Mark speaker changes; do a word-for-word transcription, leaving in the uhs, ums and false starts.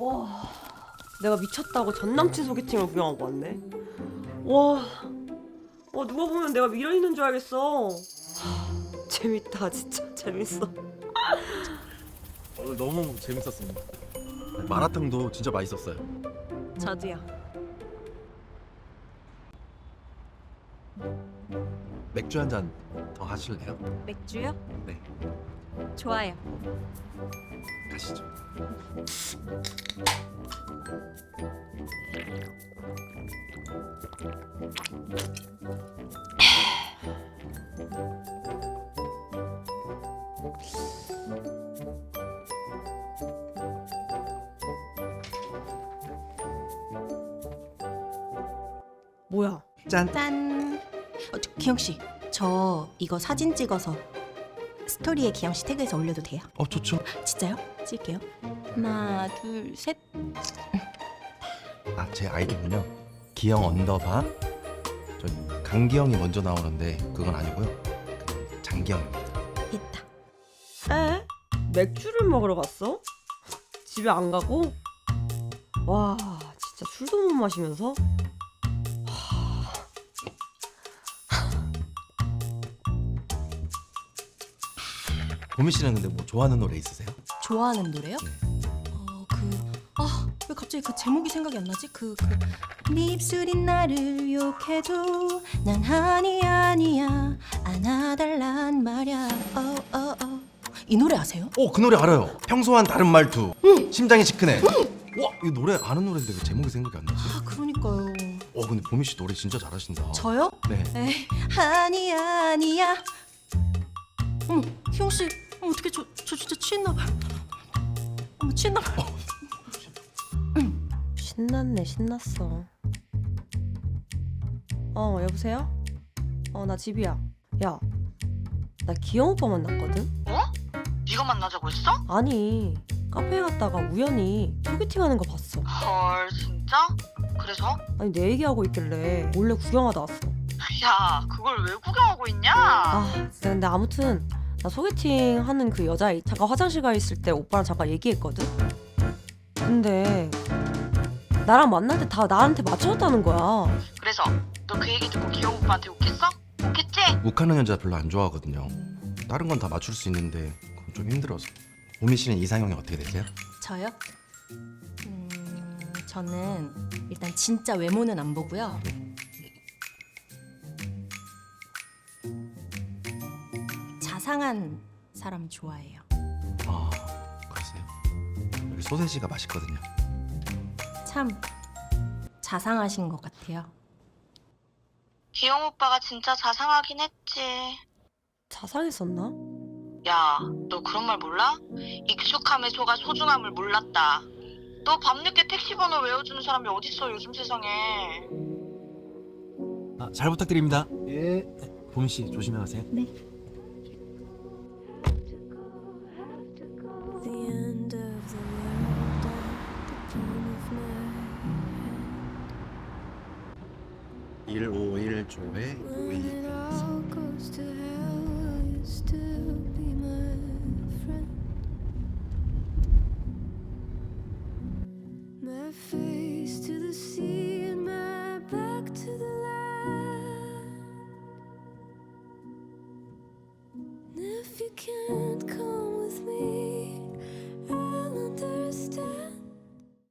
Speaker 1: 와, 내가 미쳤다고 전남친 소개팅을 구경하고 왔네. 와, 와 누가 보면 내가 미련 있는 줄 알겠어. 하, 재밌다, 진짜 재밌어.
Speaker 2: 오늘 너무 재밌었습니다. 마라탕도 진짜 맛있었어요.
Speaker 1: 저도요.
Speaker 2: 맥주 한 잔 더 하실래요?
Speaker 1: 맥주요?
Speaker 2: 네,
Speaker 1: 좋아요.
Speaker 2: 가시죠.
Speaker 1: 뭐야?
Speaker 2: 짠.
Speaker 3: 짠. 어, 저, 기영 씨, 저 이거 사진 찍어서 스토리에 기영 씨 태그해서 올려도 돼요?
Speaker 2: 어, 좋죠.
Speaker 3: 진짜요? 찍을게요. 하나, 둘, 셋.
Speaker 2: 아, 제 아이디는요. 기영 언더바. 저 강기영이 먼저 나오는데 그건 아니고요. 그 장기영입니다.
Speaker 3: 있다.
Speaker 1: 에? 맥주를 먹으러 갔어? 집에 안 가고? 와, 진짜 술도 못 마시면서?
Speaker 2: 보미 씨는 근데 뭐 좋아하는 노래 있으세요?
Speaker 3: 좋아하는 노래요?
Speaker 2: 네.
Speaker 3: 어, 그, 아, 왜 갑자기 그 제목이 생각이 안 나지? 그, 그, 네 입술이 나를 욕해도 난 아니야 아니야 안아달란 말야. 어, 어, 어. 이 노래 아세요?
Speaker 2: 어, 그 노래 알아요. 평소와는 다른 말투. 심장이 시큰해. 와, 이 노래 아는 노래인데 왜 제목이 생각이 안 나지?
Speaker 3: 아, 그러니까요.
Speaker 2: 어, 근데 보미 씨 노래 진짜 잘하신다.
Speaker 3: 저요?
Speaker 2: 네.
Speaker 3: 에이, 아니야 아니야. 어머, 희영 씨, 어머, 어떻게 저, 저 진짜 취했나 봐요. 어머, 취했나 봐요.
Speaker 1: 신났네, 신났어. 어, 여보세요? 어, 나 집이야. 야, 나 기영 오빠 만났거든?
Speaker 4: 어? 네가 만나자고 했어?
Speaker 1: 아니, 카페에 갔다가 우연히 소개팅하는 거 봤어.
Speaker 4: 헐 진짜? 그래서?
Speaker 1: 아니, 내 얘기하고 있길래 몰래 구경하다 왔어.
Speaker 4: 야 그걸 왜 구경하고 있냐?
Speaker 1: 아, 진짜 근데 아무튼 나 소개팅 하는 그 여자 잠깐 화장실 가 있을 때 오빠랑 잠깐 얘기했거든? 근데 나랑 만날 때 다 나한테 맞춰줬다는 거야.
Speaker 4: 그래서 너 그 얘기 듣고 기영 오빠한테 웃겠어? 웃겠지?
Speaker 2: 욱하는 여자 별로 안 좋아하거든요. 다른 건 다 맞출 수 있는데 그건 좀 힘들어서. 보미 씨는 이상형이 어떻게 되세요?
Speaker 3: 저요? 음, 저는 일단 진짜 외모는 안 보고요. 자상한 사람 좋아해요.
Speaker 2: 아, 그러세요? 여기 소세지가 맛있거든요.
Speaker 3: 참 자상하신 것 같아요.
Speaker 4: 기영 오빠가 진짜 자상하긴 했지.
Speaker 1: 자상했었나?
Speaker 4: 야 너 그런 말 몰라? 익숙함의 소가 소중함을 몰랐다. 너 밤늦게 택시 번호 외워주는 사람이 어딨어 요즘 세상에.
Speaker 2: 아, 잘 부탁드립니다. 예. 보미 씨 조심히 가세요.
Speaker 3: 네.
Speaker 2: 일오일 조에